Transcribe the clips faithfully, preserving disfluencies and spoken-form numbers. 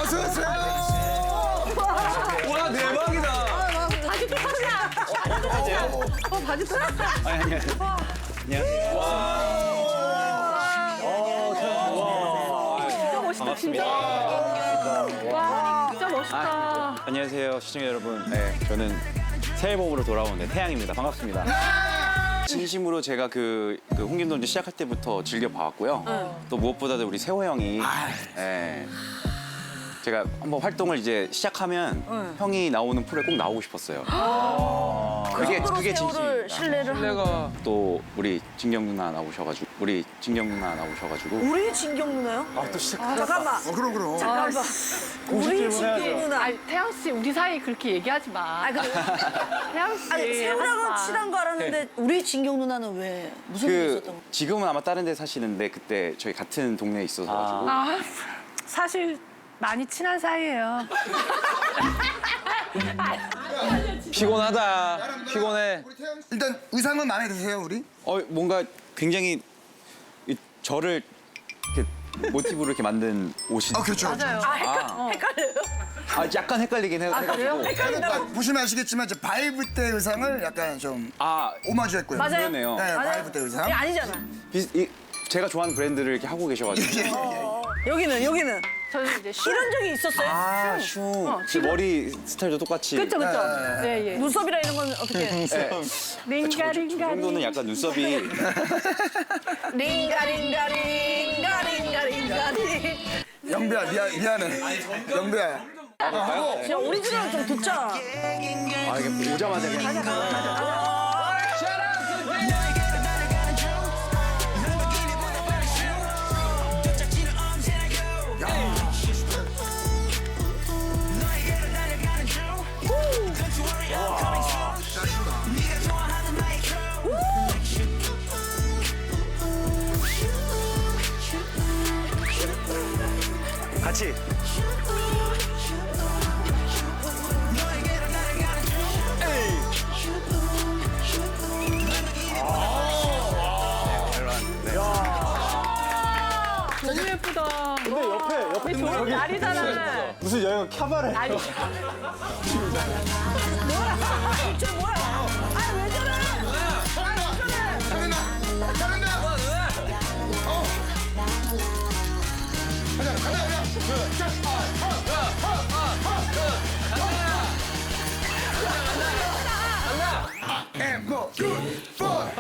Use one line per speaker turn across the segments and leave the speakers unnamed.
어서 오세요.
와 대박이다.
바지 똑같냐? 어, 바지 똑같아.
아니 아니. 안녕하세요.
진짜 멋있다, 진짜. 와, 진짜 멋있다.
아, 안녕하세요 시청자 여러분. 네, 저는 새 앨범으로 돌아온 네, 태양입니다. 반갑습니다. 진심으로 제가 그, 그 홍김돈지 시작할 때부터 즐겨 봐왔고요. 또 무엇보다도 우리 세호 형이 네, 제가 한번 활동을 이제 시작하면 형이 나오는 프로에 꼭 나오고 싶었어요. 그게 그게 진심입니다.
신뢰를
내가
또 우리 진경 누나 나오셔가지고 우리 진경 누나 나오셔가지고
우리 진경 누나요?
아 또 시작.
아, 잠깐만.
어, 그럼 그럼.
잠깐만. 우리 진경 누나.
아니, 태양 씨, 우리 사이 그렇게 얘기하지 마.
아니, 근데
태양 씨.
아니 세훈하고
하지 마.
친한 거 알았는데 우리 진경 누나는 왜 무슨 일이
그
있었던 거?
지금은 아마 다른 데 사시는데 그때 저희 같은 동네에 있어서 가지고
아, 사실 많이 친한 사이예요.
피곤하다. 피곤해.
일단 의상은 마음에 드세요 우리?
어 뭔가 굉장히 이- 저를 이렇게 모티브로 이렇게 만든 옷이
아 그렇죠.
맞아요.
아 헷갈, 헷갈려요?
아 약간 헷갈리긴 해, 해가지고
그러니까 보시면 아시겠지만 이제 바이브 때 의상을 약간 좀
아
오마주했고요.
맞아요.
그러네요.
네,
맞아요.
바이브 때 의상.
이게 아니잖아.
비, 이, 제가 좋아하는 브랜드를 이렇게 하고 계셔가지고
예, 예, 예.
여기는 여기는
저는 이제 슈.
이런 적이 있었어요?
아 슈.
어,
그 머리 스타일도 똑같이
그쵸, 그쵸. 예, 예.
눈썹이라 이런 건 어떻게?
네. 저, 저
링가링가링.
정도는 약간 눈썹이
링가 링가 링가 링가 링가 링.
영배야 미안 미안해. 영배야.
야 오리지널 좀 듣자.
아 이게 오자마자 그냥 같이
너무 예쁘다.
근데 옆에 옆에
우리 좋은 날이잖아.
무슨 여행 캬바레
아니,
저 뭐야? 아왜 저래?
잘한다. 잘한다. 어. 가자 가자 가자. And go, good, four.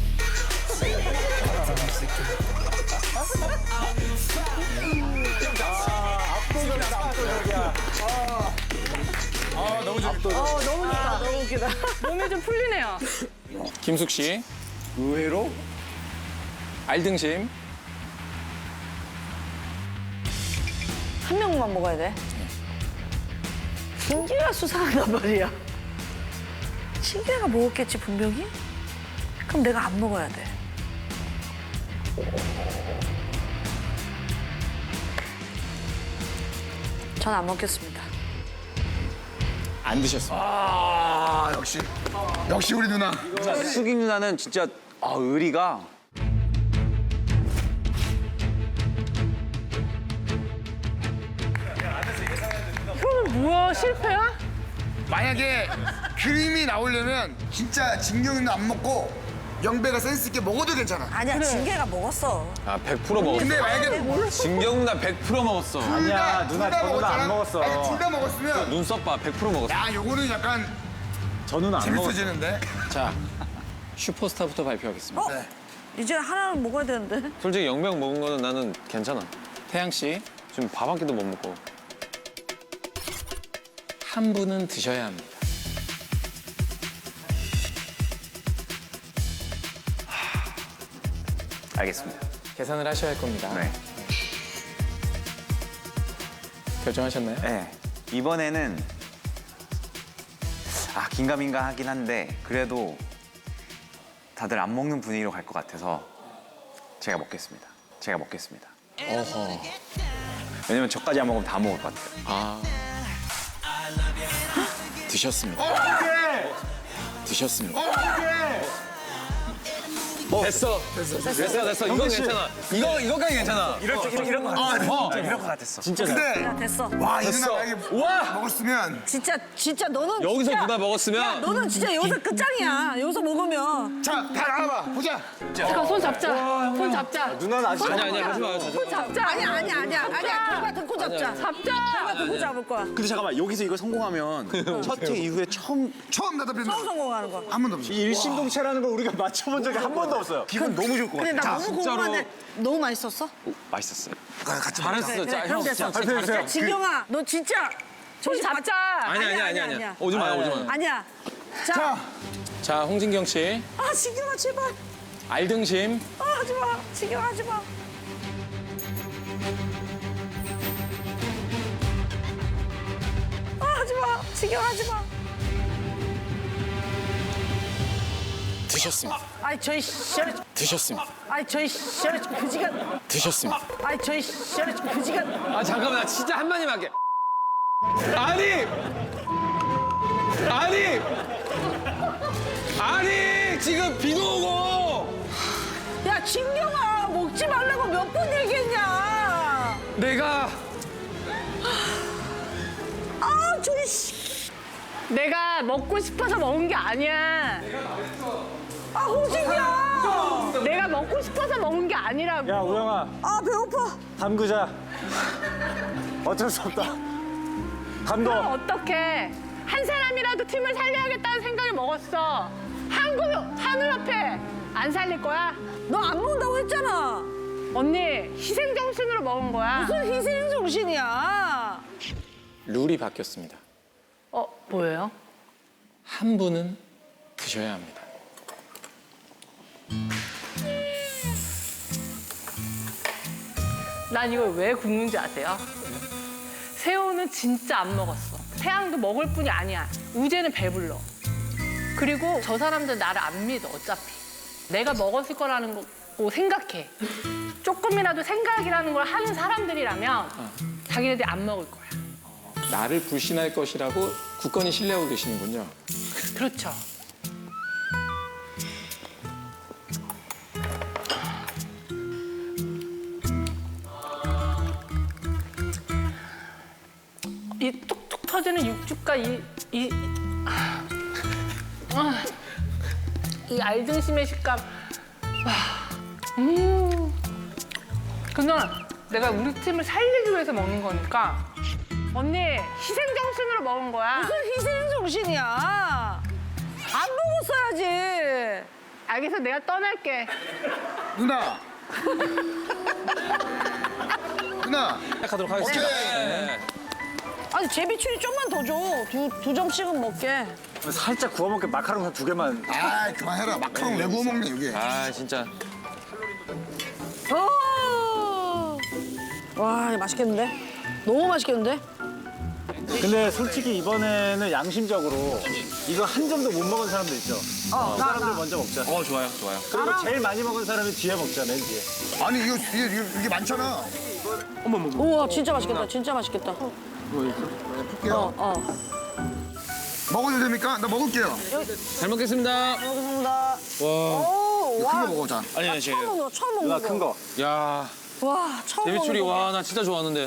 어 너무 좋다. 너무 웃기다.
몸이 좀 풀리네요.
김숙 씨.
의외로
알등심.
한 명만 먹어야 돼. 신기가 수상하단 말이야. 신기가 먹었겠지 분명히? 그럼 내가 안 먹어야 돼. 전 안 먹겠습니다.
안 드셨습니다.
아 역시 역시 우리 누나.
수기 누나는 진짜 아 의리가
그러면 뭐야, 실패야?
만약에 그림이 나오려면 진짜 진경 누나 안 먹고 영배가 센스 있게 먹어도 괜찮아.
아니야, 진개가 먹었어.
아 백 퍼센트 먹었어.
근데 만약에
진경 누나 백 퍼센트 먹었어.
아니야, 누나 저 누나 안 먹었어.
둘 다 먹었으면
눈썹 봐, 백 퍼센트 먹었어.
야 요거는 약간
저 누나 안 먹었어.
재밌어지는데.
자, 슈퍼스타부터 발표하겠습니다.
어?
네.
이제 하나는 먹어야 되는데.
솔직히 영병 먹은 거는 나는 괜찮아. 태양 씨, 지금 밥 한 끼도 못 먹고. 한 분은 드셔야 합니다.
알겠습니다.
계산을 하셔야 할 겁니다.
네.
결정하셨나요?
네. 이번에는 아 긴가민가 하긴 한데 그래도 다들 안 먹는 분위기로 갈 것 같아서 제가 먹겠습니다. 제가 먹겠습니다.
어허.
왜냐면 저까지 안 먹으면 다 먹을 것 같아요.
아. 드셨습니다. 드셨습니다. 됐어. 됐어, 됐어. 이건 괜찮아. 이거, 이거까지 괜찮아.
이럴 줄 이런 거
아,
같았어.
어.
이런 거 같았어.
진짜 잘.
근데
야, 됐어.
와, 이
됐어.
누나 만약에
우와!
먹었으면
진짜 진짜 너는
여기서
진짜,
누나 먹었으면.
야, 너는 진짜 여기서 끝장이야. 여기서 먹으면.
자, 다 나와봐. 보자.
잠깐 손 잡자. 손 잡자.
누나는 아직
아니, 아니, 하지 마요.
손 잡자.
아니야 아니야 아니야 아니야. 결과 듣고 잡자.
잡자.
결과 듣고 잡을 거야.
근데 잠깐만 여기서 이거 성공하면 첫 회 이후에 처음
처음 대답했는
처음 성공하는 거.
한 번도 없어.
이 일심동체라는 걸 우리가 맞춰본 적이 한 번도 없어요. 기분 너무 좋을 것
근데
같아.
나 너무 궁금한데 너무 맛있었어?
맛있었어요.
같이
잘했어.
그래,
자,
그럼
형,
됐어.
진짜 잘했어.
야, 진경아, 너 진짜
손 잡자.
아니, 아니, 아니, 아니. 오지 마요, 오지 마요.
아니야. 자,
자,
자, 홍진경 씨.
아 진경아 제발.
알등심.
아 하지 마. 진경아 하지 마. 아 하지 마. 진경아 하지 마.
드셨습니다.
아이 저희 시절에
드셨습니다.
아이 저희 시절에 그지가
드셨습니다.
아이 저희 시절에 그지가
아, 잠깐만. 나 진짜 한마디만 할게. 아니! 아니! 아니! 지금 비도 오고!
야 진경아 먹지 말라고 몇 번 얘기했냐.
내가
아 저희 씨.
내가 먹고 싶어서 먹은 게 아니야.
아 홍진경.
내가 먹고 싶어서 먹은 게 아니라고.
야 우영아
아 배고파.
담그자. 어쩔 수 없다.
그럼
담궈.
어떡해. 한 사람이라도 팀을 살려야겠다는 생각을 먹었어. 한국 한우 옆에 안 살릴 거야?
너 안 먹는다고 했잖아.
언니 희생 정신으로 먹은 거야.
무슨 희생 정신이야.
룰이 바뀌었습니다.
어 뭐예요?
한 분은 드셔야 합니다.
난 이걸 왜 굽는지 아세요? 새우는 진짜 안 먹었어. 태양도 먹을 뿐이 아니야. 우재는 배불러. 그리고 저 사람들 나를 안 믿어 어차피. 내가 먹었을 거라는 거 생각해. 조금이라도 생각이라는 걸 하는 사람들이라면 자기네들이 안 먹을 거야.
나를 불신할 것이라고 굳건히 신뢰하고 계시는군요.
그렇죠. 이 툭툭 터지는 육즙과 이, 이, 아, 아, 이 알등심의 식감. 와, 음. 그냥 내가 우리 팀을 살리기 위해서 먹는 거니까 언니 희생 정신으로 먹은 거야.
무슨 희생 정신이야. 안 먹었어야지.
알겠어, 내가 떠날게.
누나. 누나.
시작하도록 하겠습니다.
오케이.
아니 제비추리 좀만 더 줘. 두, 두 점씩은 먹게.
살짝 구워 먹게 마카롱 한 두 개만.
아, 그만해라. 마카롱 왜 구워 먹냐 여기.
아, 진짜.
어. 와 이거 맛있겠는데? 너무 맛있겠는데?
근데 솔직히 이번에는 양심적으로 이거 한 점도 못 먹은 사람도 있죠.
어,
그
나,
사람들
나.
먼저 먹자.
어, 좋아요, 좋아요.
그리고 제일 많이 먹은 사람이 뒤에 먹자, 맨 뒤에.
아니 이거 이게, 이게, 이게 많잖아.
우와 진짜 맛있겠다. 진짜 맛있겠다.
볼게요.
어 어.
먹어도 됩니까? 나 먹을게요.
잘 먹겠습니다.
먹겠습니다.
와,
오,
큰
와.
거 먹어, 자.
아니, 아니,
처음
제가.
먹는 거, 처음
누나
먹는 거.
큰 거.
야,
와, 처음
데뷔출이
먹는 거.
와, 나 진짜 좋아하는데.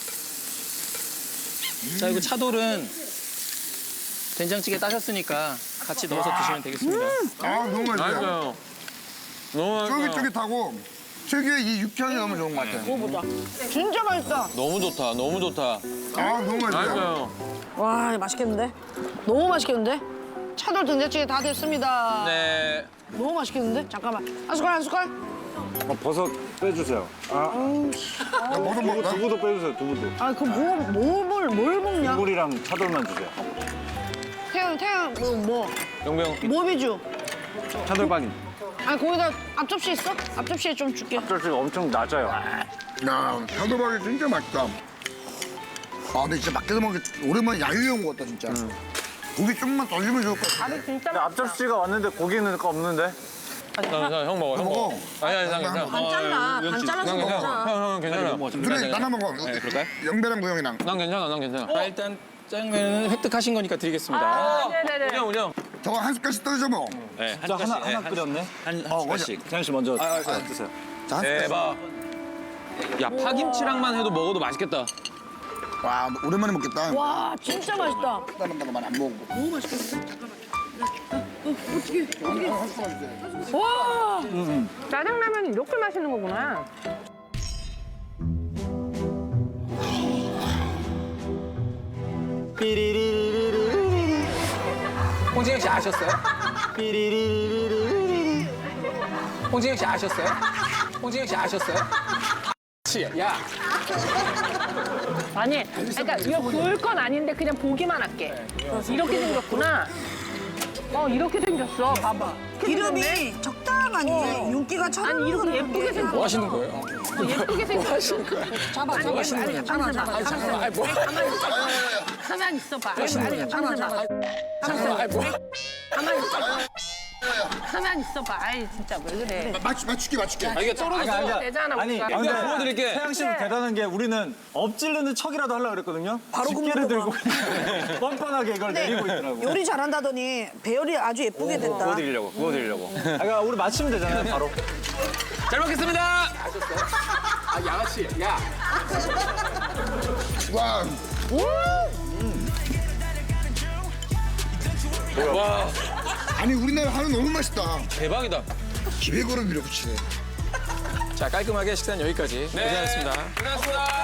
자, 이거 차돌은 된장찌개 따셨으니까 같이 넣어서 드시면 되겠습니다.
아, 너무 맛있어요.
맛있어요. 너무 맛있어요.
쫄깃쫄깃하고 특유의 이 육향이 너무 좋은 것 같아요.
먹어보자. 진짜 맛있다.
너무 좋다, 너무 좋다.
아, 너무 맛있어요.
맛있어요.
와, 이거 맛있겠는데? 너무 맛있겠는데? 차돌 된장찌개 다 됐습니다.
네.
너무 맛있겠는데? 잠깐만. 한 숟갈, 한 숟갈?
어, 버섯 빼주세요. 아,
나 뭐도 먹을까?
두부도 빼주세요, 두부도.
아, 그 뭐, 뭐, 뭘, 뭘 먹냐?
물이랑 차돌만 주세요.
태양, 태양, 뭐, 뭐,
영병,
뭐 비주?
차돌박이.
아니, 거기다 앞접시 있어? 앞접시에 좀 줄게.
앞접시가 엄청 낮아요.
야, 차돌박이 진짜 맛있다. 아, 근데 진짜 밖에서 먹기 오랜만에 야유회 온 것 같다, 진짜. 고기 좀만 더 주면 좋을 것 같아.
밥이 진짜
근데 앞접시가 왔는데 고기는 없는데?
형, 형, 형 먹어, 형
먹어.
먹어. 아니, 아니, 난 괜찮아.
반 잘라, 반 잘라서
난 괜찮아.
먹자.
형, 형, 괜찮아.
그래, 나나 먹어.
네, 그럴까요?
영배랑 구형이랑.
난 괜찮아, 난 괜찮아. 자, 일단 짜장면은 획득하신 거니까 드리겠습니다.
아, 네네네.
우령, 우령.
저거 한 숟갈씩 떨어져 먹어.
네, 한
저 하나
숟갈씩, 네,
하나 끓였네.
한, 한
어,
숟갈씩.
태양 씨 먼저
아, 아,
드세요.
자, 한 숟갈씩.
대박. 야, 파김치랑만 해도 먹어도 맛있겠다.
와, 오랜만에 먹겠다.
와 진짜 맛있다.
따만따가 많이 안 먹고. 너무 맛있겠어.
와
짜장라면이 이렇게 맛있는 거구나.
홍진영 씨 아셨어요? 홍진영 씨 아셨어요? 홍진영 씨 아셨어요? 씨, 야,
아니, 그러니까 이거 구울 건 아닌데 그냥 보기만 할게. 이렇게 생겼구나. 어, 이렇게 생겼어. 봐봐.
기름이 적당하니 윤기가
아니,
차는
이렇게 예쁘게 생겼어.
뭐 하시는 거예요?
예쁘게 생겼어.
잡아
아니,
잡아
아니, 아니, 가만히 있어봐.
아니, 잠깐만, 아니, 뭐.
가만히 있어봐.
아니 잡아 잡아
잠깐만, 아니, 뭐.
가만히 있어봐. 가만히 있어봐. 아이, 진짜 왜 그래.
맞추, 맞출게, 맞출게.
아, 이게 떨어져서.
되잖아,
아니,
우리가.
근데
그냥 구워드릴게.
태양 씨는 대단한 게 우리는 엎질르는 척이라도 하려고 그랬거든요.
바로
집게를 들고
굽는구나.
그냥 뻔뻔하게 이걸 내리고 있더라고.
요리 잘한다더니 배열이 아주 예쁘게 됐다.
구워드리려고, 구워드리려고.
아, 그러니까 우리 맞추면 되잖아요, 바로.
잘 먹겠습니다.
아, 양아씨, 야.
와,
와,
아니 우리나라 한우 너무 맛있다.
대박이다.
기백으로 밀어붙이네.
자, 깔끔하게 식사는 여기까지.
네.
고생하셨습니다.
고생하셨습니다.